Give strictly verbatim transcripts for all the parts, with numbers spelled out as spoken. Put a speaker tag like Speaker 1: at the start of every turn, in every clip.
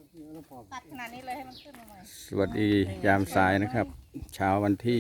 Speaker 1: ตัดขนาดนี้เลยให้มันขึ้นมาใหม่
Speaker 2: สวัสดียามสายนะครับเช้าวันที่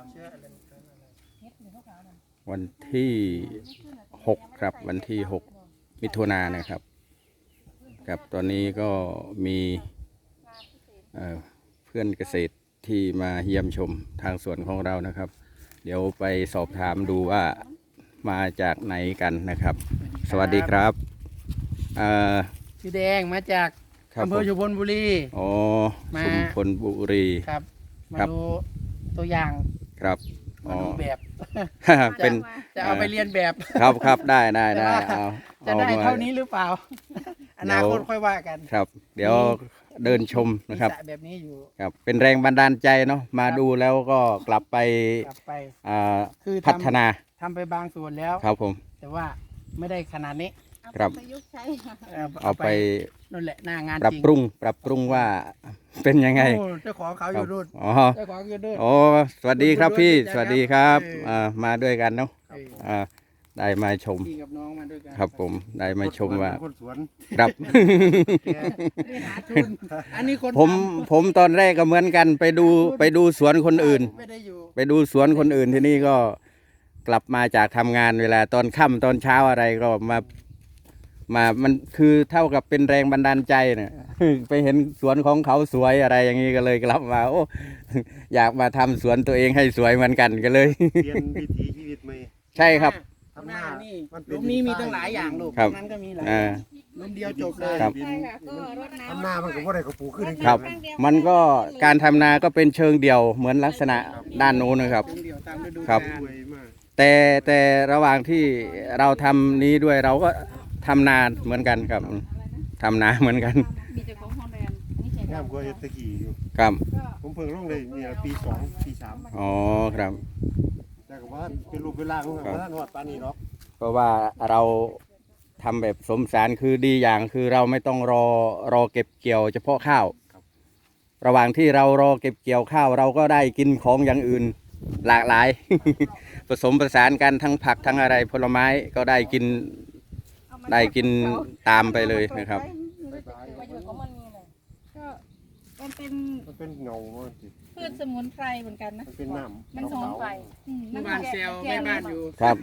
Speaker 2: วันที่หกครับวันที่หกมิถุนายนนะครับกับตอนนี้ก็มีเอ่อเพื่อนเกษตรที่มาเยี่ยมชมทางสวนของเรานะครับเดี๋ยวไปสอบถามดูว่ามาจากไหนกันนะครับสวัสดีครับเอ่อ
Speaker 3: ชื่อแดงมาจากอำเภอชุมพลบุรี
Speaker 2: อ๋อ
Speaker 3: มา
Speaker 2: ชุมพลบุรี
Speaker 3: ครับมา
Speaker 2: ครับ
Speaker 3: ดูตัวอย่าง
Speaker 2: ครับ
Speaker 3: มา
Speaker 2: อ๋อ
Speaker 3: ดูแบบ
Speaker 2: เป็น
Speaker 3: จะเอาไปเรียนแบบ
Speaker 2: ครับครับได้ได้ได้
Speaker 3: แต่ว่า
Speaker 2: เอา
Speaker 3: จะ
Speaker 2: เอา
Speaker 3: ได้
Speaker 2: มา
Speaker 3: เท่านี้หรือเปล่า อนาคตค่อยว่ากัน
Speaker 2: ครับ เดี๋ยวเดินชมนะครับ
Speaker 3: มีสแบบนี้อยู่
Speaker 2: ครับเป็นแรงบันดาลใจเนาะมาดูแล้วก็กลับไป
Speaker 3: กลับไป
Speaker 2: อ่า
Speaker 3: คือทำ
Speaker 2: พัฒนา
Speaker 3: ทำไปบางส่วนแล้ว
Speaker 2: ครับผม
Speaker 3: แต่ว่าไม่ได้ขนาดนี้
Speaker 2: ครับ
Speaker 1: ประยุกต์ใช้
Speaker 3: เอ่อ
Speaker 2: เอาไป
Speaker 3: นั่นแหละหน้างาน
Speaker 2: ปรับ
Speaker 3: จริง
Speaker 2: ปรุงปรับปรุงว่าเป็นยังไง
Speaker 3: โอ้เจ้าของเขาอยู่รุ่น
Speaker 2: อ๋อ
Speaker 3: เจ้าของอยู่รุ่น
Speaker 2: โอ้สวัสดีครับพี่สวัสดีครับ
Speaker 3: เอออ่
Speaker 2: อ่ามาด้วยกันเนาะ
Speaker 3: เออ
Speaker 2: อ่าได้มาชม
Speaker 3: พี่กับน้องมาด้วยกัน
Speaker 2: ครับผมได้มาชมว่า
Speaker 4: คนสวน
Speaker 2: ครับ
Speaker 3: แกไม่หาทุนอันนี้คน
Speaker 2: ผม
Speaker 3: ทำ
Speaker 2: ผมตอนแรกก็เหมือนกันไปดูไปดูสวนคนอื่น
Speaker 3: ไม่ได้อยู่
Speaker 2: ไปดูสวนคนอื่นที่นี่ก็กลับมาจากทำงานเวลาตอนค่ำตอนเช้าอะไรก็มามามันคือเท่ากับเป็นแรงบันดาลใจเนี่ย ไปเห็นสวนของเขาสวยอะไรอย่างนี้ก็เลยกลับมาโอ้ อยากมาทำสวนตัวเองให้สวยเหมือนกันก็เลย
Speaker 4: เปลี่ยนวิถีชีวิตใหม่
Speaker 2: ใช่ครับ
Speaker 3: ทำหน้านี่
Speaker 4: มันเป็น
Speaker 3: ลุมนี้มีตั้งหลายอย่างลูก
Speaker 2: ครับ
Speaker 3: นั้นก็มีหลาย
Speaker 2: อ่า
Speaker 3: ลุมเดียวจบเลย
Speaker 2: ครับ
Speaker 1: ใช่ค่ะก็รดน้ำ
Speaker 4: ทำหน้ามันก็บ่ได้กระปูขึ้นจริงๆ
Speaker 2: ครับ
Speaker 4: นะ
Speaker 2: มันก็การทำนาก็เป็นเชิงเดี่ยวเหมือนลักษณะด้านโน้นนะครับ
Speaker 3: ลุมเดียวตามฤดู
Speaker 2: ครับ
Speaker 3: กาล
Speaker 4: สวยมาก
Speaker 2: แต่แต่ระหว่างที่เราทำนี้ด้วยเราก็ทำนาเหมือนกันครับทำนาเหมือนกัน
Speaker 1: มีเจ้าของฮอนแลนด์อันนี้ใช่
Speaker 4: งามกว่าเฮ็ดตะกี้อยู่
Speaker 2: ครับ
Speaker 1: ก็
Speaker 4: ผมเพิ่งลงเลยเนี่ยปีสองปีสาม
Speaker 2: อ๋อครับ
Speaker 4: แต่ก็ว่าเป็นรูปเป็นร่างของ
Speaker 2: ครับ
Speaker 4: มันฮอดปานนี้เนาะ
Speaker 2: เพราะว่าเราทำแบบสมสารคือดีอย่างคือเราไม่ต้องรอรอเก็บเกี่ยวเฉพาะข้าว ระหว่างที่เรารอเก็บเกี่ยวข้าว เราก็ได้กินของอย่างอื่นหลากหลาย ผสมผสานกันทั้งผักทั้งอะไรผลไม้ก็ได้กิน
Speaker 1: เอามา
Speaker 2: ได้กินตามไปเลยนะครับ
Speaker 1: ประโยชน์ของมันมีเลยก็มันเป็น
Speaker 4: มันเป็นเงามันสิ
Speaker 1: พืชสมุนไพรเหมือนกันนะ
Speaker 4: มันเป็นน้ำ
Speaker 1: มันสมุนไพรอืม
Speaker 3: เมื่อวานเซลแม่บ้านอยู่
Speaker 2: ครับ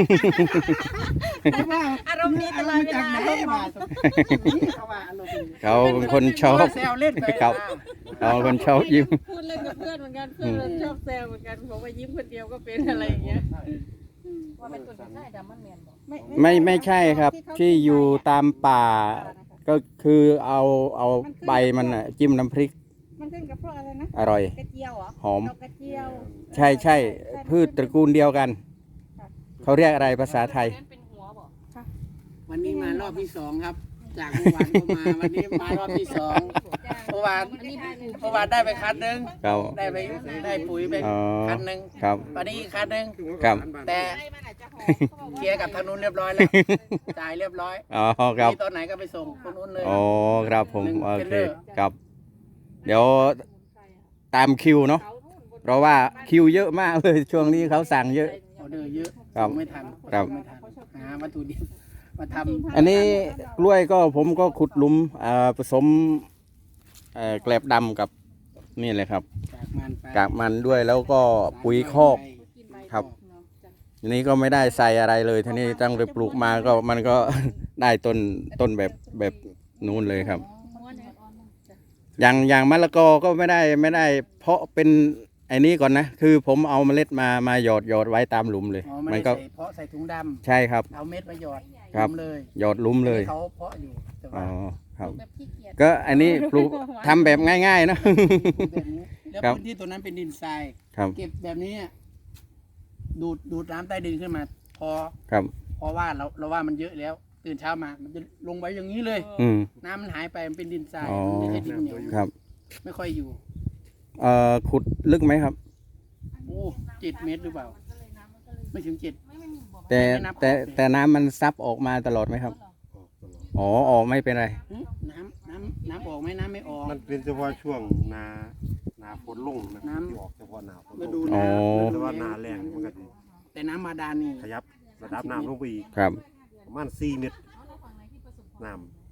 Speaker 1: อารมณ์ดีตลอดเวลา
Speaker 3: อรมณ์มาจากไหนเขาว่าอารมณ์ดี
Speaker 2: เขาเป็นคนชอบ
Speaker 3: เซลเล่นไป
Speaker 2: ครับ เขาเป็นคนชอบยิ้ม
Speaker 1: พูดเล่นกับเพื่อนเหมือนกันเพื่อนเราชอบแซวเหมือนกันบอกว่ายิ้มคนเดียวก็เป็นอะไรอย่างเงี้ยว่าเป็นตัวใช่ดำมันเมียนบอกไม่
Speaker 2: ไม่ไม่ใช่ครับ ที่อยู่ตามป่า ก็คือเอาเอาใบมันน่ะจิ้มน้ำพริก
Speaker 1: มันขึ้นกับพวกอะไรนะ
Speaker 2: อร่อย
Speaker 1: กระเจียวเหรอ
Speaker 2: หอม
Speaker 1: ดอกกระเจียว
Speaker 2: ใช่ใช่พืชตระกูลเดียวกัน เขาเรียกอะไรภาษาไทย
Speaker 1: เป็นหัวบอก
Speaker 3: วันนี้มารอบที่สองครับ จากเมื่อวานก็มาวันนี้มารอบที่สองเมื่อวานเมื่อวานได้ไปคันหนึง
Speaker 2: ครับ
Speaker 3: ได้ไปได้ปุ๋ยไป
Speaker 2: อ๋อ
Speaker 3: คันหนึง
Speaker 2: ครับ
Speaker 3: วันนี้อีกคันหนึง
Speaker 2: ครับ
Speaker 3: แต่
Speaker 1: ไอ้มันอาจจะหอมเขาบอก
Speaker 3: เคลียร์กับทางนู้นเรียบร้อยแล้วจ่ายเรียบร้อย
Speaker 2: อ๋อครับ
Speaker 3: มีตอนไหนก็ไปส่งคนนู้นเลย
Speaker 2: อ๋อครับผม
Speaker 3: หนึ่ง
Speaker 2: โอ
Speaker 3: เป็น
Speaker 2: เค
Speaker 3: เรื่อง
Speaker 2: ครับ เดี๋ยวตามคิวเนาะเพราะว่าคิวเยอะมากเลยช่วงนี้เขาสั่งเยอะ
Speaker 3: ออเดอร์เยอะ
Speaker 2: ครับ
Speaker 3: ส่งไม่ทัน
Speaker 2: ครับ
Speaker 3: ส่งไม่ทันหาวัตถุดิบมาทำ
Speaker 2: อันนี้กล้วยก็ผมก็ขุดหลุมอ่าผสมเอ่อแกลบดำกับนี่เลยครับ
Speaker 3: จากมันไป
Speaker 2: กากมันด้วยแล้วก็ปุ๋ยคอก ครับ ทีนี้ก็ไม่ได้ใส่อะไรเลยทีนี้ตั้งแต่ปลูกมาก็มันก็ ได้ต้นต้นแบบแบบนู้นเลยครับ อย่างอย่างมะละกอก็ไม่ได้ไม่ได้ เพาะเป็นไอ้นี้ก่อนนะ คือผมเอาเมล็ดมามาหยอดหยอดไว้ตามหลุมเลย
Speaker 3: อ๋อ
Speaker 2: มั
Speaker 3: ไม่
Speaker 2: น
Speaker 3: ได้
Speaker 2: ก็
Speaker 3: ใส่เพาะใส่ถุงด
Speaker 2: ใช่ครับ
Speaker 3: ำเอาเม็ดมาหยอด
Speaker 2: ครับ
Speaker 3: ทำเลย
Speaker 2: หยอดหลุมเลย
Speaker 3: เขาเพาะอยู่แต่
Speaker 2: อ๋
Speaker 3: ว่า
Speaker 2: อครับ
Speaker 1: แบบขี้เกียจ
Speaker 2: ก็อันนี้ปลูกทำแบบง่ายๆเนอะ
Speaker 3: แบบนี้แล้ว
Speaker 2: ครับ
Speaker 3: พื้นที่ตัวนั้นเป็นดินทราย
Speaker 2: ครับ
Speaker 3: เก็บแบบนี้ดูดดูดน้ำใต้ดินขึ้นมา พอ
Speaker 2: ครับ
Speaker 3: เพราะว่าเราเราว่ามันเยอะแล้ว ตื่นเช้ามา มันจะลงไว้อย่างนี้เลย
Speaker 2: อืม
Speaker 3: น้ำมันหายไปมันเป็นดินทราย
Speaker 2: อ๋อ
Speaker 3: มันไม่ใช่ดินเหนียว
Speaker 2: ครับ
Speaker 3: ไม่ค่อยอยู่
Speaker 2: เอ่อขุดลึกไหมครับ
Speaker 3: โอ้เจ็ดเมตรหรือเปล่า ไม่ถึงเจ็ด
Speaker 2: แต่
Speaker 3: ไม่นับ
Speaker 2: แต่
Speaker 3: ออกเลย
Speaker 2: แต่น้ำมันซับออกมาตลอดไหมครับ อ๋อออกไม่เป็นไร
Speaker 3: หึน้ำน้ำน้ำออกไหมน้ำไม่ออก
Speaker 4: มันเป็นเฉพาะช่วงนานาฝนลงนะ
Speaker 3: น้ำ
Speaker 4: ที่ออกเฉพาะหนาฝน
Speaker 3: ฤ
Speaker 4: ล
Speaker 3: ดู
Speaker 4: ง
Speaker 2: อ๋
Speaker 3: น้
Speaker 2: อ
Speaker 4: แต่ว่านาแรงมันก็สิ
Speaker 3: ำแต่น้ำมาดานนี่
Speaker 4: ขยับระดับน้ำลงไปอีก
Speaker 2: ครับ
Speaker 4: ประมาณสี่เมตรน้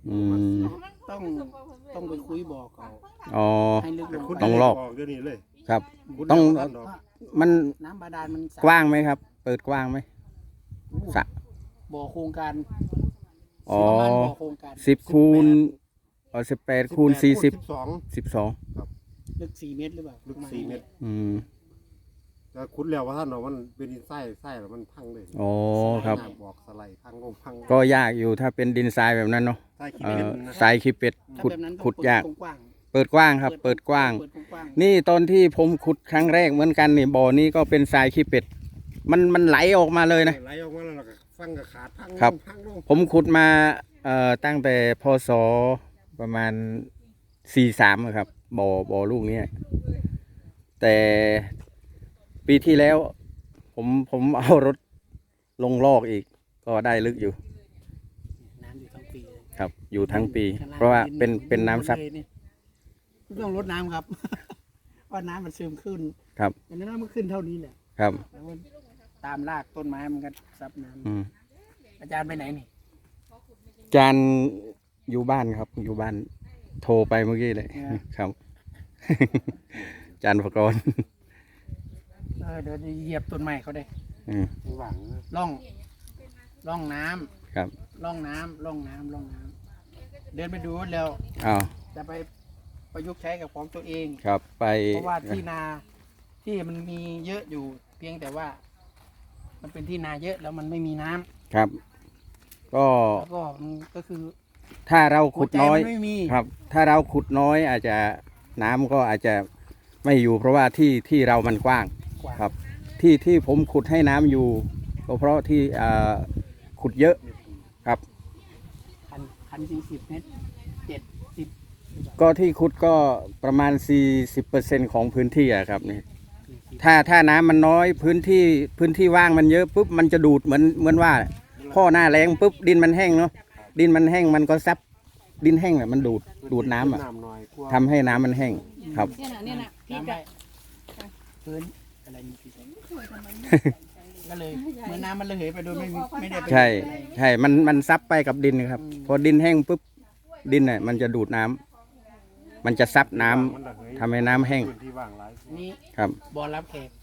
Speaker 2: อืม
Speaker 3: ต้องต้องไปคุยบอกเขา
Speaker 2: อ๋อ
Speaker 3: ให้ลึกลง
Speaker 4: คุณ
Speaker 3: ไป
Speaker 2: ต้องลอก
Speaker 4: เดี๋ยวนี้เลย
Speaker 2: ครับ
Speaker 4: คุณ
Speaker 2: ต้อง
Speaker 4: เดี๋ยวท่านดอก
Speaker 2: มัน
Speaker 3: น้ำบาดาลมันสะ
Speaker 2: กว้างไหมครับ เปิดกว้างไหมสระ
Speaker 3: บ่อโครงการ
Speaker 2: อ๋อ
Speaker 3: ประมาณบ่อโครงการ
Speaker 2: สิบคูณอ๋อสิบแปดคูณสี่สิบ
Speaker 4: สอง
Speaker 2: สิบสอง
Speaker 3: ลึกสี่เมตรหรือเปล่า
Speaker 4: ลึกสี่เมตร
Speaker 2: อืม
Speaker 4: แล้วคุณแล้วว่าท่านเนาะมันเป็นดินไส้ไส้แล้วมันพังเลย
Speaker 2: อ๋อครับ
Speaker 4: น้ำบอกสไลด์พังลงพัง
Speaker 2: ก็ยากอยู่ถ้าเป็นดินทรายแบบนั้นเนาะ
Speaker 4: ไส้ขี้
Speaker 2: เอ่
Speaker 4: เป็ด
Speaker 2: อ
Speaker 4: นะ
Speaker 2: ทรายขี้เป็ด
Speaker 3: ถ้า
Speaker 2: ขุด
Speaker 3: แบบนั้นต้อง
Speaker 2: ขุดยาก
Speaker 3: เปิกว้าง
Speaker 2: เปิดกว้างครับ เปิดกว้าง
Speaker 3: เปิดกว้าง
Speaker 2: นี่ตอนที่ผมขุดครั้งแรกเหมือนกันนี่บ่อนี้ก็เป็นทรายขี้เป็ด มันมันไหลออกมาเลยนะ
Speaker 4: ไหลออกมาแล้วก็ฟังกับขาดพังลง
Speaker 2: ครับ
Speaker 4: พังลง
Speaker 2: ผมขุดมาเอ่อตั้งแต่พศประมาณสี่สามครับบ่อบ่อลูกนี้แต่ปีที่แล้ว ผมผมเอารถลงลอกอีก ก็ได้ลึกอยู่
Speaker 3: น้ำอยู่ทั้งปีเลย
Speaker 2: ครับ อยู่ทั้งปี
Speaker 3: ข้งล่ง
Speaker 2: เพราะว่า
Speaker 3: ดิ
Speaker 2: เป็นเป็นน้ำซับ
Speaker 3: เลยนี่ไม่ต้องลดน้ำครับ ว่าน้ำมันซึมขึ้น
Speaker 2: ครับ
Speaker 3: อย่างนั้นมันขึ้นเท่านี้แหละ
Speaker 2: ครับ
Speaker 3: แล้วมันตามรากต้นไม้มันก็ซับน้
Speaker 2: อืม
Speaker 3: ำอาจารย์ไปไหนนี่
Speaker 2: จานอยู่บ้านครับ อยู่บ้าน โทรไปเมื่อกี้เลยครับ จานอุปกรณ์
Speaker 3: เออเดี๋ยวจะเหยียบต้นไม้เขาได้
Speaker 2: อืม
Speaker 4: หวังนะ
Speaker 3: ล่องล่องน้ำ
Speaker 2: ครับ
Speaker 3: ล่องน้ำล่องน้ำล่องน้ำเดินไปดูแล้ว
Speaker 2: อ้าว
Speaker 3: จะไปประยุกต์ใช้กับของตัวเอง
Speaker 2: ครับไป
Speaker 3: เพราะว่าที่นาที่มันมีเยอะอยู่ เพียงแต่ว่า มันเป็นที่นาเยอะแล้วมันไม่มีน้ำ
Speaker 2: ครับ ก็
Speaker 3: แล้วก็มันก็คือ
Speaker 2: ถ้าเราขุดน้อย
Speaker 3: หัวใจมันไม่มี
Speaker 2: ครับ ถ้าเราขุดน้อยอาจจะน้ำก็อาจจะไม่อยู่ เพราะว่าที่ที่เรามันกว้าง
Speaker 3: กว่า
Speaker 2: ครับ ที่ที่ผมขุดให้น้ำอยู่ก็เพราะที่อ่าขุดเยอะครับ
Speaker 3: พันพันสี่สิบเมตรเจ็ดสิบ
Speaker 2: ก็ที่ขุดก็ประมาณ สี่สิบเปอร์เซ็นต์ ของพื้นที่อะครับนี่ถ้าถ้าน้ำมันน้อยพื้นที่พื้นที่ว่างมันเยอะปุ๊บมันจะดูดเหมือนเหมือนว่าพ่อหน้าแรงปุ๊บดินมันแห้งเนาะดินมันแห้งมันก็ซับดินแห้งแหละมันดูดดูดน้ำอ่ะ
Speaker 4: น้ำน้อยกว่า
Speaker 2: ทำให้น้ำมันแห้งครับ
Speaker 1: เนี่ยนะเนี่ยนะพี่
Speaker 3: น้ำ
Speaker 1: จะ
Speaker 3: ได้พื้นอะไรมีพิษก็เลยเหมื่อนน้ำมันระเหยไปโดยไม่มีไม่ได้ไป
Speaker 2: ใช่ใช่มันมันซับไปกับดินครับ พอดินแห้งปุ๊บดินน่ะมันจะดูดน้ำมันจะซับน้ำ
Speaker 4: มันระเหย
Speaker 2: ทำให้น้ำแห้ง
Speaker 4: พื้นที่ว่างหลาย
Speaker 3: นี่
Speaker 2: ครับ
Speaker 3: บอลรับแขก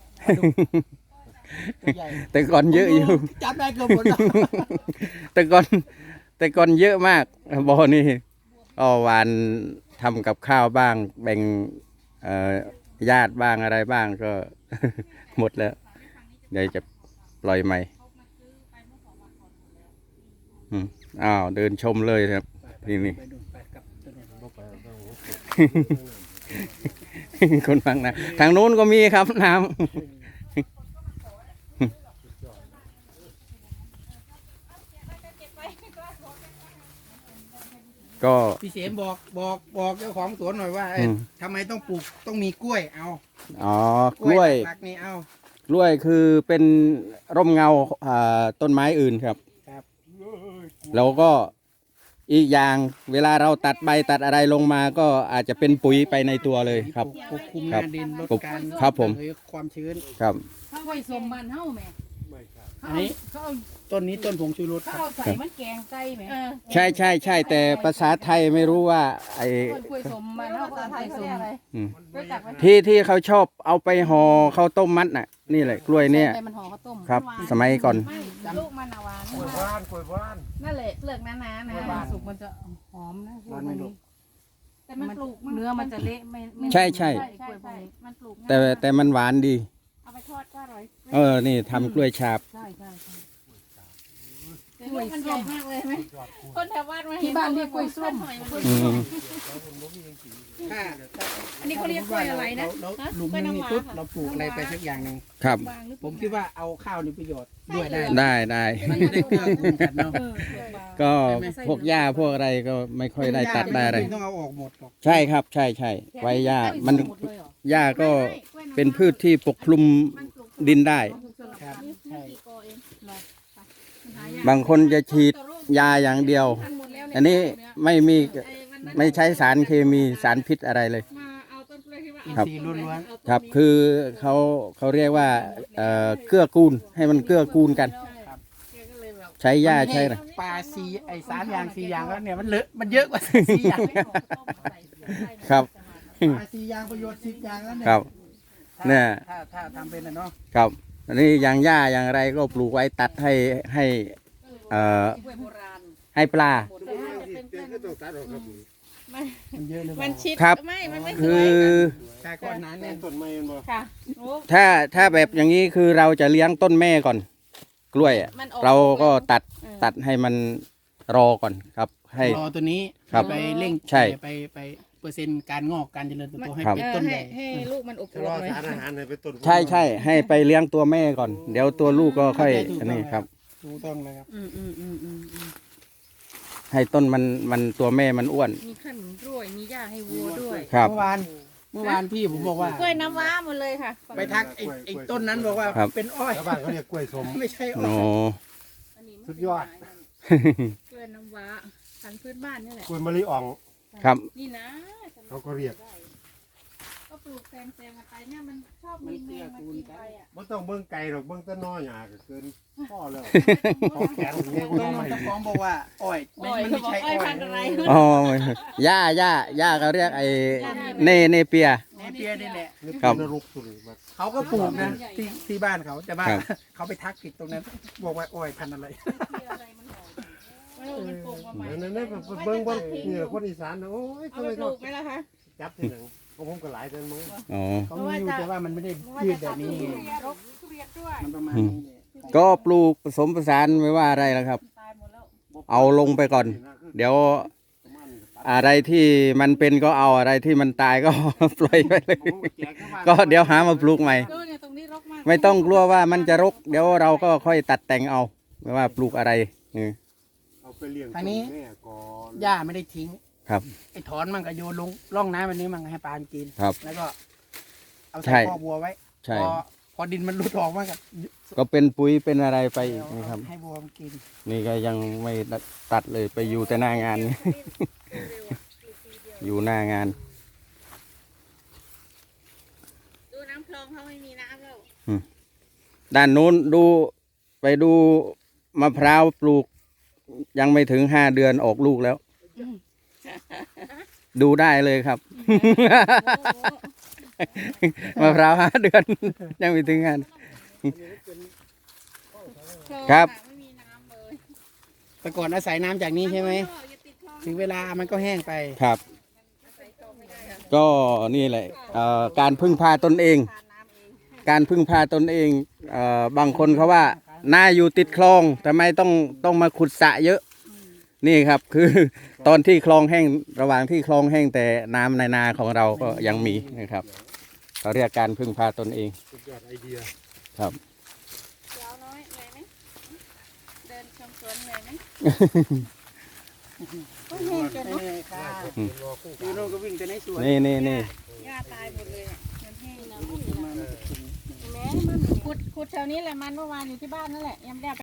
Speaker 3: ตัวใหญ่
Speaker 2: แต่ก่อนเยอะอยู่
Speaker 3: จับได้เกือบหมดแล้ว
Speaker 2: แต่ก่อนแต่ก่อนเยอะมากบ่อนี่ก็หวานทำกับข้าวบ้าง แบ่งเอ่อญาติบ้างอะไรบ้างก็ หมดแล้วเดี๋ยวจะปล่อยใหม่อืมอ้าวเดินชมเลยครับที่นี่
Speaker 3: ไปดูไปกับตัวนู้น
Speaker 4: บ่ไปเอา
Speaker 2: คนฟังนะทางนู้นก็มีครับน้ำ ก็
Speaker 3: พี่เสมบอกบอกบอกเจ้าของสวนหน่อยว่าเอ้ย
Speaker 2: อืม
Speaker 3: ทำไมต้องปลูกต้องมีกล้วยเอา
Speaker 2: อ๋อกล้วย
Speaker 3: หลักๆนี่เอา
Speaker 2: กล้วยคือเป็นร่มเงาอ่าต้นไม้อื่นครับ
Speaker 3: ครับ
Speaker 2: แล้วก็อีกอย่างเวลาเราตัดใบตัดอะไรลงมาก็อาจจะเป็นปุ๋ยไปในตัวเลยครับ
Speaker 3: ปกคลุมห
Speaker 2: ครั
Speaker 3: น้า
Speaker 2: บ
Speaker 3: ดินลด
Speaker 2: ปก
Speaker 3: การ
Speaker 2: ครับผม
Speaker 3: ระเหยความชื้น
Speaker 2: ครับ
Speaker 1: เขาไว้สมบ้านเฮาแหม่
Speaker 4: ไม่ครับ
Speaker 1: เขา
Speaker 3: อันนี้
Speaker 1: เขาเอา
Speaker 3: ต้นนี้ต้นผงชูรสค
Speaker 1: เขา
Speaker 3: รับ
Speaker 1: เอาใส่มันแกงไก่แหม่
Speaker 2: ใช่ใช่ใช่แต่ภาษาไทยไม่รู้ว่าไอ้
Speaker 1: คนกล้วยสมบ้านเฮาก็เอาไทยสม
Speaker 2: อืม
Speaker 1: รู้จักไหม
Speaker 2: ที่ที่เขาชอบเอาไปห่อข้าวต้มมัดน่ะ นี่แหละกล้วยเนี่ย
Speaker 1: ใส่มันห่อข้าวต้ม
Speaker 2: ครับ
Speaker 1: หวาน
Speaker 2: สมัยก่อน
Speaker 1: ไม่ลูกมันอะหวาน
Speaker 4: กล้วยบ้านกล้วยบ้าน
Speaker 1: นั่นแหละเปลือกหนาๆนะสุกมันจะหอมนะ
Speaker 3: ร้อนไหมลูก
Speaker 1: แต่มันปลูกเนื้อมันจะเละไม่ไม่
Speaker 2: ใช่ใช่
Speaker 1: ใช่ใช่มันปลูกง่าย
Speaker 2: แต่แต่มันหวานดี
Speaker 1: เอาไปทอดก็อร่อย
Speaker 2: เออ นี่ทำกล้วยฉาบ
Speaker 1: ใช่ใช่ใช่กล้วยมันใหญ่มากเลยไหมคนแถวบ้านมาเห็น
Speaker 2: ที่บ้านเรียกกล้วยส้ม อืม
Speaker 3: ถ้า
Speaker 1: อันนี้เขาเรียกกล้วยอะไรนะ
Speaker 3: เรา
Speaker 1: ฮะ
Speaker 3: หลุม
Speaker 1: กล้วย
Speaker 3: นึง
Speaker 1: น้ำ
Speaker 3: นี่
Speaker 1: ว้า
Speaker 3: ปุ๊บเราปลูกอะไรไปสักอย่างหนึ่ง
Speaker 2: ครับ
Speaker 1: วางหรือ
Speaker 3: ผมคิดว่าเอาข้าวนี่ประโยชน์ด้วยได้
Speaker 2: ได้ได้
Speaker 3: มันจะได้เกลือกูลกันเนาะ
Speaker 1: เออเปลือกบาง
Speaker 2: ก็พวกหญ้าพวกอะไรก็ไม่ค่อยได้ตัดได้อะไร
Speaker 3: ม่ต้องเอาออกหมดหรอก
Speaker 2: ใช่ครับ ใช่ใช่ไว้หญ้ามัน
Speaker 1: หมดเลยเหรอ
Speaker 2: หญ้าก็เป็นพืชที่ปกคลุมดินได้
Speaker 3: ครับใช่
Speaker 2: บางคนจะฉีดยาอย่างเดียว อันนี้ไม่มีไม่ใช้สารเคมีสารพิษอะไรเลย
Speaker 1: มาเอาต้นกล้วยที่ว่า
Speaker 3: อิน
Speaker 2: ครับ
Speaker 3: ทรีย์ล้วน
Speaker 2: ครับ คือเขาเขาเรียกว่าเอ่อเกื้อกูลให้มันเกื้อกูลกัน
Speaker 1: แกก็เลยแบบ
Speaker 2: ใช้หญ้า
Speaker 3: มันไม่
Speaker 2: ใช้อะไร
Speaker 3: ปลาซีไอ้สามอย่างสี่อย่างแล้วเนี่ยมันเลอะมันเยอะกว่าสี่อย่าง
Speaker 2: ครับ
Speaker 3: ปลาสี่อย่างประโยชน์สิบอย่างแล้วเนี่ย
Speaker 2: ครับ
Speaker 3: ถ้า
Speaker 2: เนี่ย
Speaker 3: ถ้าถ้าทำเป็นนะเนาะ
Speaker 2: ครับอันนี้อย่างหญ้าอย่างไรก็ปลูกไว้ตัดให้ให้เอ่อ
Speaker 1: กล้วยโบราณ
Speaker 2: ให้ปลา
Speaker 1: หมดเลยจะเป็นกล้วยน้ำว้าไม่
Speaker 3: มันเยอะเลย
Speaker 1: มันชิด
Speaker 2: ครับ
Speaker 1: ไม่มันไม่ส
Speaker 2: คื
Speaker 1: วย
Speaker 2: อ
Speaker 3: ชาก้อนนั้นเนี่ย
Speaker 4: ต้นไม้มันบ่
Speaker 1: ค่ะโอ้
Speaker 2: ถ้าถ้าแบบอย่างนี้คือเราจะเลี้ยงต้นแม่ก่อน กล้วยอะ
Speaker 1: มันออก
Speaker 2: เราก็ตัด
Speaker 1: เออ
Speaker 2: ตัดให้มันรอก่อนครับ ให้
Speaker 3: รอตัวนี้
Speaker 2: ครับ
Speaker 3: ไปเร่ง
Speaker 2: ใช่
Speaker 3: ไปไปเปอร์เซ็นต์การงอกการเจริญเติบโตให้
Speaker 2: ครับ
Speaker 3: เป็น
Speaker 1: เออ
Speaker 3: ต้น
Speaker 1: ให้
Speaker 3: ใหญ่
Speaker 1: ให้ลูกมันอบ
Speaker 4: ชะ
Speaker 1: อ
Speaker 4: ล
Speaker 1: ว
Speaker 4: อบ
Speaker 1: หน่อย
Speaker 4: สารอาหารให้ไปต้น
Speaker 2: ใช่ใช่ให้ไปเลี้ยงตัวแม่ก่อน เดี๋ยวตัวลูกก็ค่อยอันนี้ครับ
Speaker 3: ถูกต้องเลยครับ
Speaker 1: อืมอืมอืมอืมอืม
Speaker 2: ให้ต้นมันมันตัวแม่มันอ้วน
Speaker 1: มีขนมด้วย มีหญ้าให้วัวด้วย
Speaker 2: ครับ
Speaker 3: เมื่อวานเมื่อวานพี่ผมบอกว่าก
Speaker 1: ล้วยน้ำว้าหมดเลยค่ะ
Speaker 3: ไปทักไอ้ไอ้ต้นนั้นบอกว่า
Speaker 2: ครับ
Speaker 3: เป็นอ้อย
Speaker 4: ชาวบ้านเขาเรียกกล้วยสม
Speaker 3: ไม่ใช่อ้
Speaker 2: โอ้
Speaker 3: อย
Speaker 1: อันนี้
Speaker 4: สุดยอด
Speaker 1: กล้วยน้ำว้าพันธุ์พื้นบ้านนี่แหละ
Speaker 4: กล้วยมะลิอ่อง
Speaker 2: ครับ
Speaker 1: นี่นะ
Speaker 4: เขาก็เรียก
Speaker 1: ก็ปลูกแซมแซมกันไปเนี่ยมันชอบมีแมงมากินไปอ่ะ
Speaker 4: บ่ต้องเบิ่งไกลหรอกเบิ่งแต่น้อยหยาก็เกินพ่อแล้วข
Speaker 1: ต้
Speaker 4: องแขนเงี้ย
Speaker 3: ต้นมันเจ้าของบอกว่าอ้อยไม่
Speaker 1: อ้อย
Speaker 3: มัน
Speaker 1: เขา
Speaker 3: ไม่
Speaker 1: บอก
Speaker 3: ใช่
Speaker 1: อ้
Speaker 3: อ้
Speaker 1: อ
Speaker 3: อย ย
Speaker 1: พันธุ์อะไร
Speaker 2: อ๋อย่าย่าย่าเขาเรียกไอ้เนเนเปีย
Speaker 3: แหนเปียนี่แหละ
Speaker 4: นี่
Speaker 2: ครับ
Speaker 4: เป็นนรกสุดเลยบัด
Speaker 3: เขาก็ปลูกนะที่ที่บ้านเขาแต่ว่า
Speaker 2: ครับ
Speaker 3: เขาไปทักผิดตรงนั้น บอกว่าอ้อยพันธุ์อะไร
Speaker 1: ไม่รู้มันปลูกมาใหม่
Speaker 4: นั่นนั่นเบิ่งบ่นี่ล่ะคนอีสานน่ะโอ้ย
Speaker 1: เอา
Speaker 4: ทำ
Speaker 1: ไป
Speaker 4: ไม
Speaker 1: ป
Speaker 4: ต้
Speaker 1: ลู
Speaker 4: อง
Speaker 1: กไหมล่ะคะ
Speaker 4: จับทีหนึงของผมก็หลายแต่มึง
Speaker 2: อ๋อ
Speaker 3: เขามีอยู่แต่ว่ามันไม่ได้ยืดแบบนี้
Speaker 1: รกทุเรียนด้วย
Speaker 3: มันประมาณนี้เนี่ย
Speaker 2: ก็ปลูกผสมผสานไม่ว่าอะไรแล้วครับ
Speaker 1: ตายหมดแล้ว
Speaker 2: เอาลงไปก่อน เดี๋ยวอะไรที่มันเป็นก็เอาอะไรที่มันตายก็ ปล่อยไปเลย ก็เดี๋ยวหามาปลูกใหม่
Speaker 1: ดูเนี่ยตรงนี้รกมาก
Speaker 2: ไม่ต้องกลัวว่ามันจะรก เดี๋ยวเราก็ค่อยตัดแต่งเอา ไม่ว่าปลูกอะไรนี่
Speaker 4: เอาไปเลี้ยง
Speaker 3: ทางนี้
Speaker 4: แม่ก่อน
Speaker 3: หญ้าไม่ได้ทิ้ง
Speaker 2: ครับ
Speaker 3: ไอ้ถอนมันก็โยนลงร่องน้ำแบบนี้มันให้ปลากิน
Speaker 2: ครับ
Speaker 3: แล้วก็เอา
Speaker 2: ใช่
Speaker 3: ใส่คอกวัวไว้
Speaker 2: ใช่
Speaker 3: พอพอดินมันหลุดออกมันก็
Speaker 2: ก็เป็นปุ๋ยเป็นอะไรไปอีกนะครับ
Speaker 3: ให้วัวมันกิน
Speaker 2: นี่ก็ยังไม่ตัดเลยไปอยู่แต่หน้างาน นี่ อยู่หน้างาน
Speaker 1: ดูน้ำคลองเขาไม่มีน้ำแล้ว
Speaker 2: ด้านนู้นดูไปดูมะพร้าวปลูก ยังไม่ถึงห้าเดือนออกลูกแล้ว ดูได้เลยครับ มะพร้าวห้าเดือน ยังไม่ถึงงาน ครับ
Speaker 1: ไม่มีน้ำเลย
Speaker 3: แต่ก่อนอาศัยน้ำจากนี้ใช่ไหม
Speaker 1: อย่าติดคลอง
Speaker 3: ถึงเวลามันก็แห้งไป
Speaker 2: ครับ
Speaker 1: ใส่คลองไม่ได้ค่ะ
Speaker 2: ก็นี่แหละเอ่อการพึ่งพาตนเอง
Speaker 1: ทานน้ำเอง
Speaker 2: การพึ่งพาตนเองเอ่อบางคนเขาว่าหน้าอยู่ติดคลองทำไมต้องต้องมาขุดสระเยอะ นี่ครับ คือ ตอนที่คลองแห้งระหว่างที่คลองแห้งแต่น้ำในนาของเราก็ยังมีนะครับเขาเรียกการพึ่งพาตนเอง
Speaker 4: สุดยอดไอเดีย
Speaker 2: ครับ
Speaker 1: เจ้าน้อยเหนื่อยไหมเดินชมสวนเหนื่อยไหมก็แห้งจนเนาะ
Speaker 3: ค่ะ
Speaker 2: อืม
Speaker 3: อยู่โน่นก็วิ่งแต่ในสวน
Speaker 2: นี่นี่นี่
Speaker 1: หญ้าตายหมดเลยอ่ะมันแห้งนะ
Speaker 3: มันจะกิน
Speaker 1: แม้มันขุดขุดแถวนี้แหละมันเมื่อวานอยู่ที่บ้านนั่นแหละยังไม่ได้เอาไป